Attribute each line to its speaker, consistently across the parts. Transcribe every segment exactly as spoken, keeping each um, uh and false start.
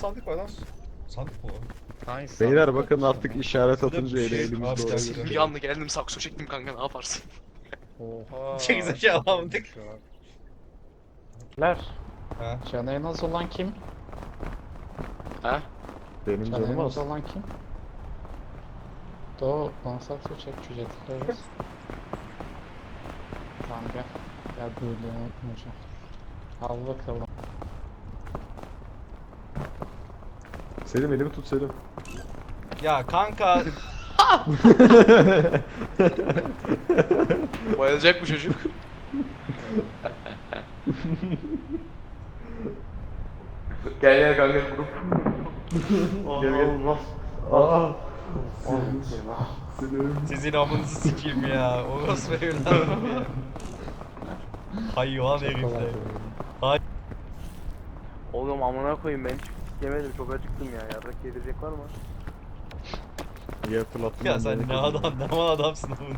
Speaker 1: sandık var lan. Sandık mı o?
Speaker 2: Hangisi?
Speaker 3: Beyler bakın artık işaret atınca ele
Speaker 1: Şey,
Speaker 3: elimizde
Speaker 1: abi,
Speaker 3: oluyor.
Speaker 1: şey-
Speaker 4: Bir anda geldim sakso çektim kanka ne yaparsın?
Speaker 2: Oha.
Speaker 1: Gerizekalı alamadık.
Speaker 2: Ler.
Speaker 1: Ha.
Speaker 2: Canı en az olan kim?
Speaker 4: Ha?
Speaker 3: Benim
Speaker 2: Canı en
Speaker 3: canım
Speaker 2: az
Speaker 3: az.
Speaker 2: olan kim? Do, konsantre çek cücetleri. Tamam gel. Gel böyle unutmayacağım. Al bakalım.
Speaker 3: Selim elimi tut Selim.
Speaker 1: Ya kanka.
Speaker 4: Bayılacak bu çocuk. Gel gel kanka grup.
Speaker 3: Gel gel. Aa. Selim.
Speaker 1: Sizin amınızı sikeyim ya. Orospu evladım ya. Hayvan herifler.
Speaker 5: Oğlum amına koyayım ben hiç yemedim çok acıktım ya. Yarrak yedirecek var mı?
Speaker 3: Gel fırlattım.
Speaker 1: Ya
Speaker 3: ben
Speaker 1: sen
Speaker 3: de.
Speaker 1: ne adam ne mal adamsın oğlum.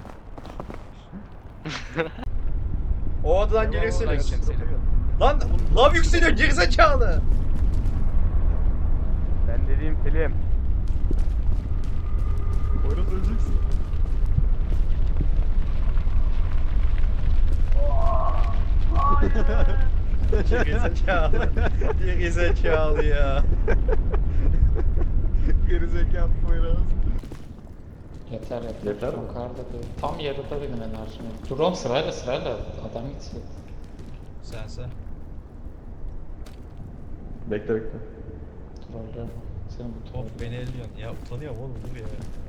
Speaker 1: O adadan gelirsene.
Speaker 4: gideceğim Selim.
Speaker 1: Lan lav yükseliyor gerizekalı.
Speaker 5: Ben dediğim Selim.
Speaker 3: Poyraz öleceksin.
Speaker 1: Gerizekalı. Gerizekalı ya.
Speaker 3: Gerizekalı Poyraz.
Speaker 2: Yeter yeter.
Speaker 3: Yeter mi?
Speaker 2: Yukarıda değil. Tam yarıda benim enerjim. Dur oğlum sırayla sırayla. Adam gitsin.
Speaker 1: Sen sen.
Speaker 3: Bekle bekle.
Speaker 2: Trollüyorum. Senin bu troll.
Speaker 1: Top beni elliyorsun. Ya utanıyorum oğlum dur ya.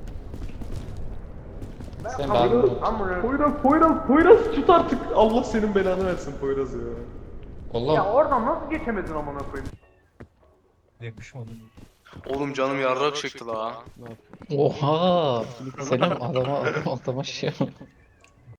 Speaker 2: Sen ben bunu...
Speaker 3: Poyraz, Poyraz, Poyraz tut artık. Allah senin belanı versin Poyraz ya.
Speaker 2: Oğlum.
Speaker 5: Ya oradan nasıl geçemedin amına koyayım?
Speaker 1: Yakışmadı.
Speaker 4: Oğlum canım yarrak çekti la.
Speaker 2: Oha. Selim adama adama şey